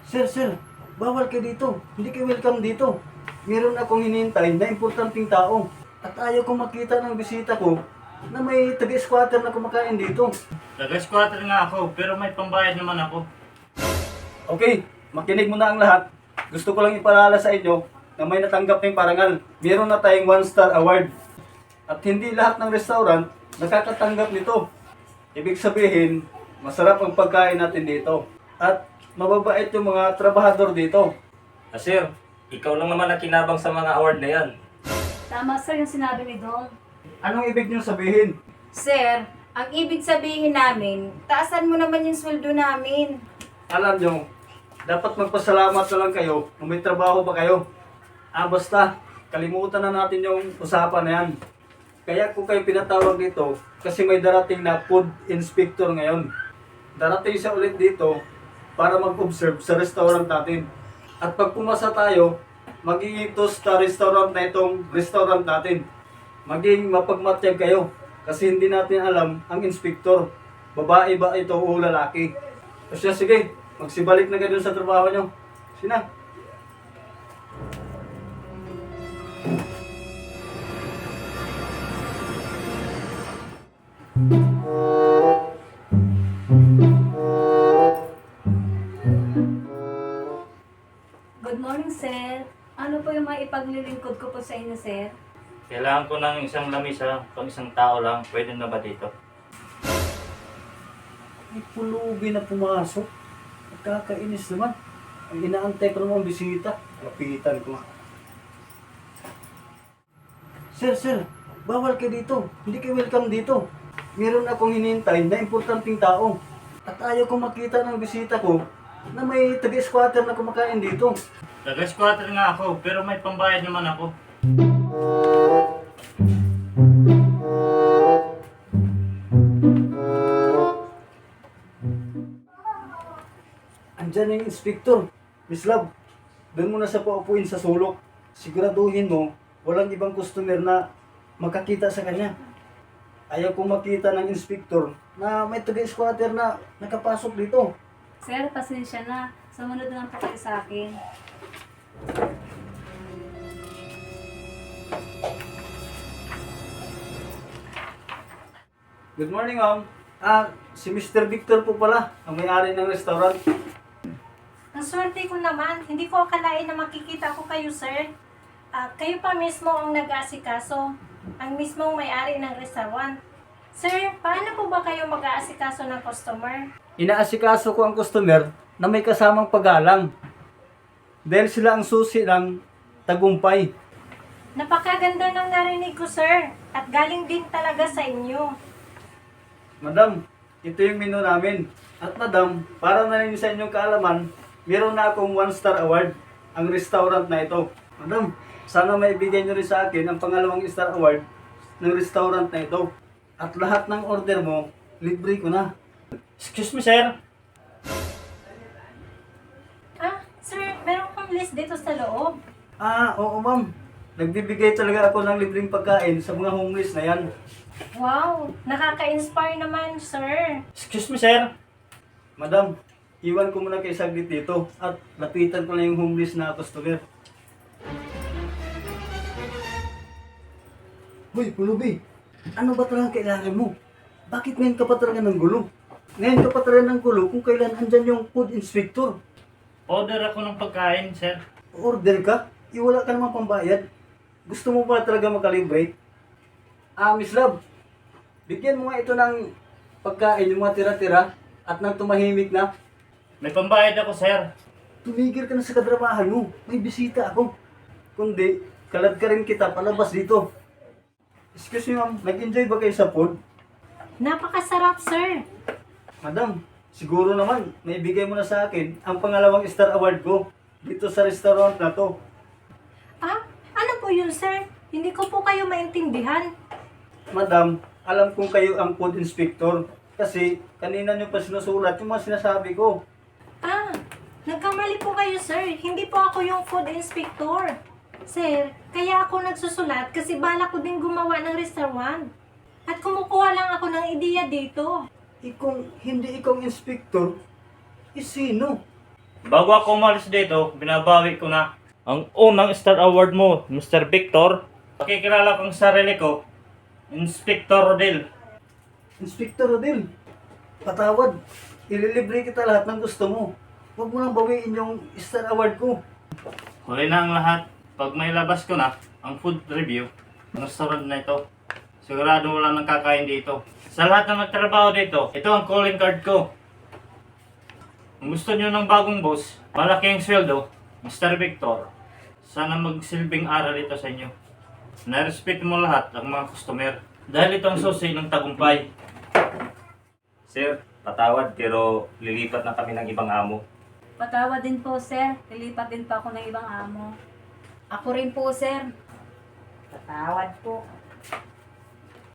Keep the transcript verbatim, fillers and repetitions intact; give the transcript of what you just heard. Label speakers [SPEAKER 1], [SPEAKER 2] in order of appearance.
[SPEAKER 1] Sir, sir, bawal kayo dito. Hindi kayo welcome dito. Meron akong hinihintay na importanteng tao. At ayaw kong makita ng bisita ko na may taga-squatter na kumakain dito.
[SPEAKER 2] Taga-squatter nga ako, pero may pambayad naman ako.
[SPEAKER 1] Okay, makinig mo na ang lahat. Gusto ko lang ipaalala sa inyo na may natanggap ng parangal. Meron na tayong one star award. At hindi lahat ng restaurant nakakatanggap nito. Ibig sabihin, masarap ang pagkain natin dito. At mababait yung mga trabahador dito.
[SPEAKER 3] Ah, sir, ikaw lang naman ang kinabang sa mga award na yan.
[SPEAKER 4] Tama sir yung sinabi ni Dong.
[SPEAKER 1] Anong ibig niyong sabihin?
[SPEAKER 5] Sir, ang ibig sabihin namin, taasan mo naman yung sweldo namin.
[SPEAKER 1] Alam nyo, dapat magpasalamat na lang kayo kung may trabaho pa kayo. Ah, basta, kalimutan na natin yung usapan na yan. Kaya kung kayo pinatawag dito, kasi may darating na food inspector ngayon. Darating siya ulit dito para mag-observe sa restaurant natin. At pag pumasa tayo, magiging toast sa restaurant na itong restaurant natin. Maging mapagmatyag kayo kasi hindi natin alam ang inspector. Babae ba ito o lalaki? O siya, sige, magsibalik na kayo dun sa trabaho nyo. Sina?
[SPEAKER 4] Good morning sir. Ano po yung mga ipaglilingkod ko po sa inyo sir?
[SPEAKER 2] Kailangan ko ng isang lamisa, pang isang tao lang. Pwede na ba dito?
[SPEAKER 1] May pulubi na pumasok. Nakakainis naman. Ang inaantay ko naman bisita. Lapitan ko. Sir, sir, bawal kayo dito. Hindi kayo welcome dito. Meron akong hinihintay na importanteng tao. At ayaw kong makita ng bisita ko na may taga-squatter na kumakain dito.
[SPEAKER 2] Taga-squatter nga ako, pero may pambayad naman ako.
[SPEAKER 1] Andyan yung inspector. Miss Love, doon mo na sa paupuin sa sulok. Siguraduhin mo, walang ibang customer na makakita sa kanya. Ayaw kong makita ng inspector na may taga-squatter na nakapasok dito.
[SPEAKER 4] Sir, pasensya na. Sumunod na lang po kayo sa akin.
[SPEAKER 1] Good morning, ma'am. Ah, si mister Victor po pala, ang may-ari ng restaurant.
[SPEAKER 5] Ang swerte ko naman, hindi ko akalain na makikita ko kayo, sir. Ah, kayo pa mismo ang nag-aasikaso, ang mismong may-ari ng restaurant. Sir, paano po ba kayo mag-aasikaso ng customer?
[SPEAKER 1] Inaasikaso ko ang customer na may kasamang paggalang. Dahil sila ang susi ng tagumpay.
[SPEAKER 5] Napakaganda ng narinig ko, sir. At galing din talaga sa inyo.
[SPEAKER 1] Madam, ito yung menu namin. At madam, para na rin sa inyong kaalaman, meron na akong one star award ang restaurant na ito. Madam, sana maibigay nyo rin sa akin ang pangalawang star award ng restaurant na ito. At lahat ng order mo, libre ko na.
[SPEAKER 2] Excuse me, sir.
[SPEAKER 5] Ah, sir, meron kang list dito sa loob.
[SPEAKER 1] Ah, oo ma'am. Nagbibigay talaga ako ng libreng pagkain sa mga homeless na yan.
[SPEAKER 5] Wow, nakaka-inspire naman, sir.
[SPEAKER 2] Excuse me, sir.
[SPEAKER 1] Madam, iwan ko muna kay saglit dito at lapitan ko na yung homeless na customer. Hoy, Pulubi! Ano ba talaga kailangan mo? Bakit ngayon ka pa talaga ng gulo? Ngayon ka pa talaga ng gulo kung kailan andyan yung food inspector.
[SPEAKER 2] Order ako ng pagkain, sir.
[SPEAKER 1] Order ka? Iwala ka naman pambayad. Gusto mo ba talaga makalibre? Ah, Miss Love, bigyan mo nga ito ng pagkain, yung mga tira-tira at nang tumahimik na.
[SPEAKER 2] May pambayad ako, sir.
[SPEAKER 1] Tumigil ka na sa kadramahan mo. May bisita ako. Kundi, kalad ka rin kita palabas dito. Excuse me ma'am, nag-enjoy ba kayo sa food?
[SPEAKER 5] Napakasarap, sir.
[SPEAKER 1] Madam, siguro naman, naibigay mo na sa akin ang pangalawang star award ko dito sa restaurant na to.
[SPEAKER 5] Ah, ano po yun, sir? Hindi ko po kayo maintindihan.
[SPEAKER 1] Madam, alam kong kayo ang food inspector kasi kanina nyo pa sinusulat yung mga sinasabi ko.
[SPEAKER 5] Ah, nagkamali po kayo, sir. Hindi po ako yung food inspector. Sir, kaya ako nagsusulat kasi bala ko din gumawa ng restaurant. At kumukuha lang ako ng ideya dito.
[SPEAKER 1] Eh kung hindi ikaw ang inspector, eh sino?
[SPEAKER 2] Bago ako umalis dito, binabawi ko na ang unang Star Award mo, Mister Victor. Pakikilala kong sarili ko, Inspector Rodel.
[SPEAKER 1] Inspector Rodel, patawad. Ililibre kita lahat ng gusto mo. Huwag mo nang bawiin yung Star Award ko.
[SPEAKER 2] Huli na ang lahat. Pag may labas ko na ang food review ng restaurant na ito, sigurado wala nang kakain dito. Sa lahat na nagtrabaho dito, ito ang calling card ko. Kung gusto nyo ng bagong boss, malaking sweldo, Mister Victor, sana magsilbing aral ito sa inyo. Na-respect mo lahat ang mga customer. Dahil ito ang susi ng tagumpay.
[SPEAKER 3] Sir, patawad pero lilipat na kami ng ibang amo.
[SPEAKER 4] Patawad din po, sir. Lilipat din pa ako ng ibang amo. Ako rin po, sir.
[SPEAKER 6] Patawad po.